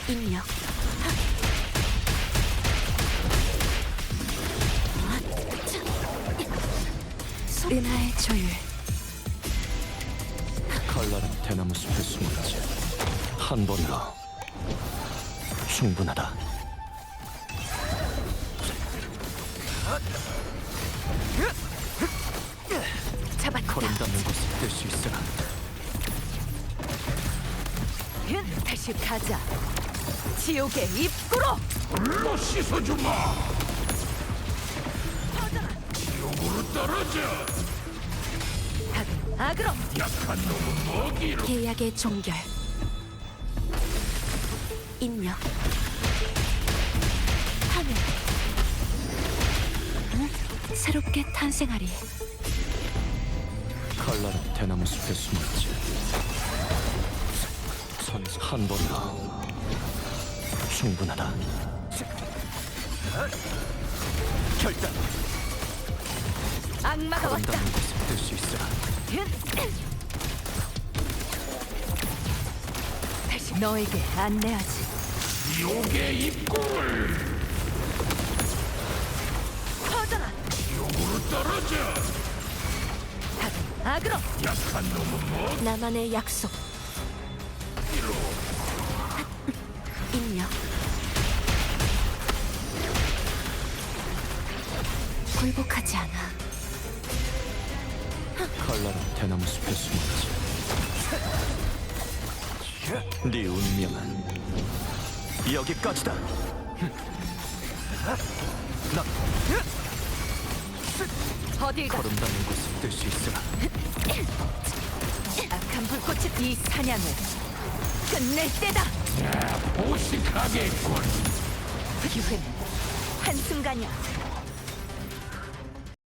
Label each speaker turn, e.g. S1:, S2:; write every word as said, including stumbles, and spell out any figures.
S1: 인력. 은하의 조율.
S2: 칼날은 대나무 숲에 숨었지. 한 번으로 충분하다.
S1: 잡았다.
S2: 걸음 닿는 곳에 뜰 수 있으라.
S1: 다시 가자. 지옥의 입구로.
S3: 불로 씻어주마. 지옥으로 떨어져.
S1: 악은 악으로.
S3: 약한 놈은 먹이로.
S1: 계약의 종결. 인력. 하늘. 응? 새롭게 탄생하리.
S2: 칼날은 대나무 숲에 숨었지. 선 한 번으로 충분하다. 결단.
S1: 악마가
S2: 걸음
S1: 왔다.
S2: 닿는 곳에 뜰 수 있으라.
S1: 다시 너에게 안내하지.
S3: 지옥의 입구를.
S1: 퍼져라.
S3: 지옥으로 떨어져.
S1: 악은 악으로.
S3: 약한 놈은
S1: 나만의 약속.
S3: 먹이로.
S1: 인력. 굴복하지 않아.
S2: 칼날은 대나무 숲에 숨었지. 네 운명은 여기까지다. 나
S1: 어딜 가.
S2: 걸음 닿는 곳에 뜰 수 있으라.
S1: 악한 불꽃이 이 사냥을 끝낼 때다.
S3: 보식하겠군.
S1: 기회는 한순간이야.